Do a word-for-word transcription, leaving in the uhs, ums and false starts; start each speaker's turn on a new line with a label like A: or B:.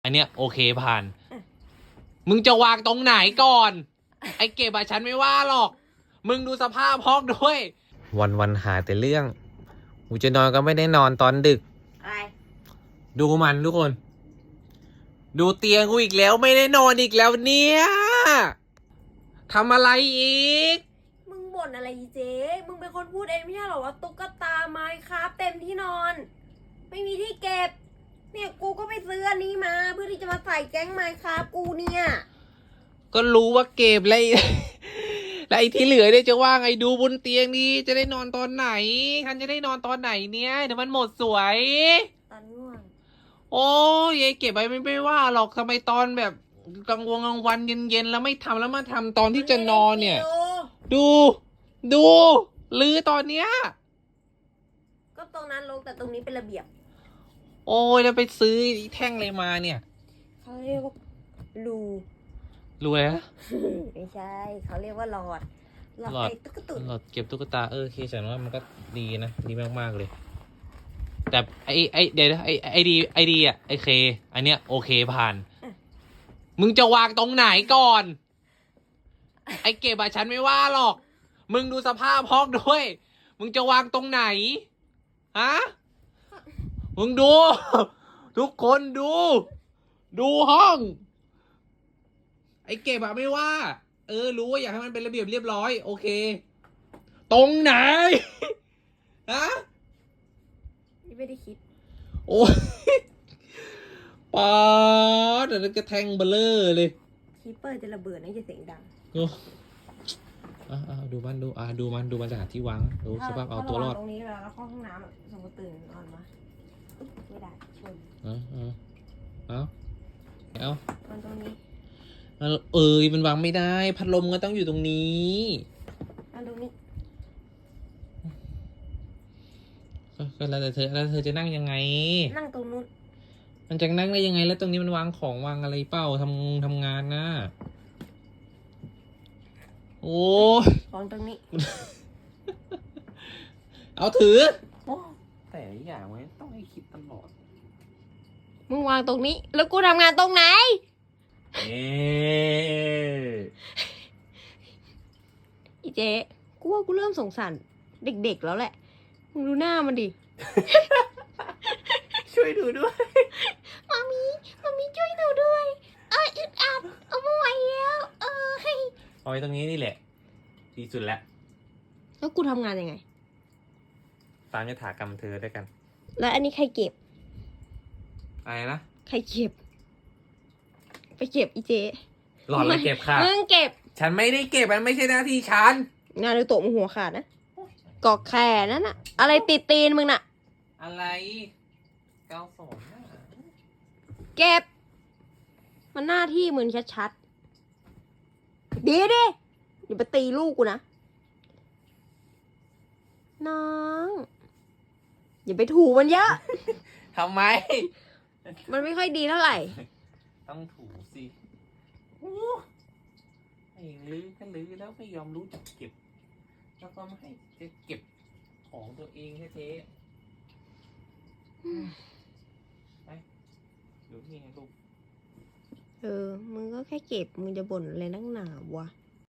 A: อันเนี้ยโอเคผ่าน มึงจะวางตรงไหนก่อน ไอ้เก็บอะฉันไม่ว่าหรอก มึงดูสภาพห้องด้วย วันวันหาแต่เรื่องกูจะนอนก็ไม่ได้นอนตอนดึก
B: อะไร
A: ดูมันทุกคน ดูเตียงกูอีกแล้วไม่ได้นอนอีกแล้วเนี่ยทำอะไรอีก
B: มึงบ่นอะไรอีเจ๊มึงเป็นคนพูดเองไม่ใช่เหรอว่าตุ๊กตาไม้ครับเต็มที่นอน ไม่มีที่เก็บ เนี่ยกูก็ไปซื้ออันนี้มาเพื่อที่จะมาใส่แก๊งไม้ครับกูเนี่ย
A: ก็รู้ว่าเก็บอะไร แล้วไอ้ที่เหลือเนี่ยจะว่าไงดูบนเตียงนี้จะได้นอนตอนไหนฉันจะได้นอนตอนไหนเนี่ยเดี๋ยวมันหมดสวย
B: ตอนง่วง
A: โอ้ยไอ้เก็บไว้ไม่ไม่ว่าหรอกทำไมตอนแบบกลางวงกลางวันเย็นๆแล้วไม่ทำแล้วมาทำตอนที่จะนอนเนี่ย ดู ดูลือตอนเนี้ย
B: ก็ตรงนั้นลงแต่ตรงนี้เป็นระเบียบ
A: โอ้ยแล้วไปซื้อแท่งอะไรมาเนี่ย
B: เขาเรียกว่ารู
A: รวยนะ
B: ไม่ใช่เขาเรียกว่าหลอดหลอด
A: หลอด
B: ไอ้ตุ๊กตุ่น
A: หลอดเก็บตุ๊กตาเออเคฉันว่ามันก็ดีนะดีมากๆเลย แต่ไอไอเดี๋ยวนะไอไอดีไอดีอ่ะไอเค อันเนี้ยโอเคผ่าน มึงจะวางตรงไหนก่อน ไอเก็บอะฉันไม่ว่าหรอก มึงดูสภาพห้องด้วย มึงจะวางตรงไหน ฮะ มึงดู ทุกคนดู ดูห้อง ไอเก็บอะไม่ว่า เออ รู้ว่าอยากให้มันเป็นระเบียบเรียบร้อย โอเค ตรงไหน ฮะ
B: นี่ไม่ได้คิด
A: โอ้ยป๊าดเดี๋ยวนั้นก็แทงเบลเลอร์เลย
B: คีเปอร์จะระเบิดนะจะเสียงดัง
A: โอ้อ่ะอ่ะดูมันดูอ่ะดูมันดูมันจะหาที่วางดูสภาพเอาตัวรอด
B: ตรงนี้เวลาเราเข้าห้องน้ำอะสมมติตื่นนอนมาอุ๊ยไม่ได้ชน
A: เอาเอาเอาเอา
B: มันตรงนี้
A: เอาเอ้ยมันวางไม่ได้ พัดลมก็ต้องอยู่ตรงนี้
B: มันตรงนี้
A: ก็ก็แล้วแต่เธอแล้วเธอจะนั่งยังไง
B: นั่งตรงนู้น
A: มันจะนั่งได้ยังไง แล้วตรงนี้มันวางของวางอะไรเปล่าทำทำงานนะโอ้ย
B: ของตรงนี้
A: เอาถือ
B: โอ้
A: แต่อย่างไว้ต้องให้คิดตลอด
B: มึงวางตรงนี้ แล้วกูทำงานตรงไหน
A: เอ๊
B: อีเจ๊กูว่ากูเริ่มสงสารเด็กๆแล้วแหละ มึงดูหน้ามันดิ
A: ช่วยดูด้วย
B: มามีมามีช่วยหนูด้วย เอ้ยอึดอัดเอาไม่ไหวแล้วเออให้
A: เอาไว้ตรงนี้นี่แหละดีสุดแล้ว
B: แล้วกูทำงานยังไง
A: ตามยถากรรมเธอด้วยกัน
B: แล้วอันนี้ใครเก็บ
A: อะไรนะ
B: ใครเก็บ ไปเก็บอีเจ๊
A: หลอดเลยเก็บค่ะ
B: มึงเก็บ
A: ฉันไม่ได้เก็บมันไม่ใช่หน้าที่ฉัน
B: งานในโต๊ะมึงหัวขาดนะกอกแขนนั่นน่ะ อะไรติดตีนมึงน่ะ
A: อะไรเก้าสองน่ะ
B: เก็บ มันหน้าที่มึงชัดๆดีดิอย่าไปตีลูกกูนะ น้อง อย่าไปถูมันเยอะ
A: ทำไม
B: มันไม่ค่อยดีเท่าไหร่
A: ต้องถูสิโอ้ไอ้ลื้อก็ลื้อแล้วไม่ยอมรู้จักเก็บ แล้วก็ไม่ให้จะเก็บของตัวเองแท้ๆไปดูนี่ไงลูก
B: เออ มึงก็แค่เก็บ มึงจะบ่นอะไรนักหนาวะ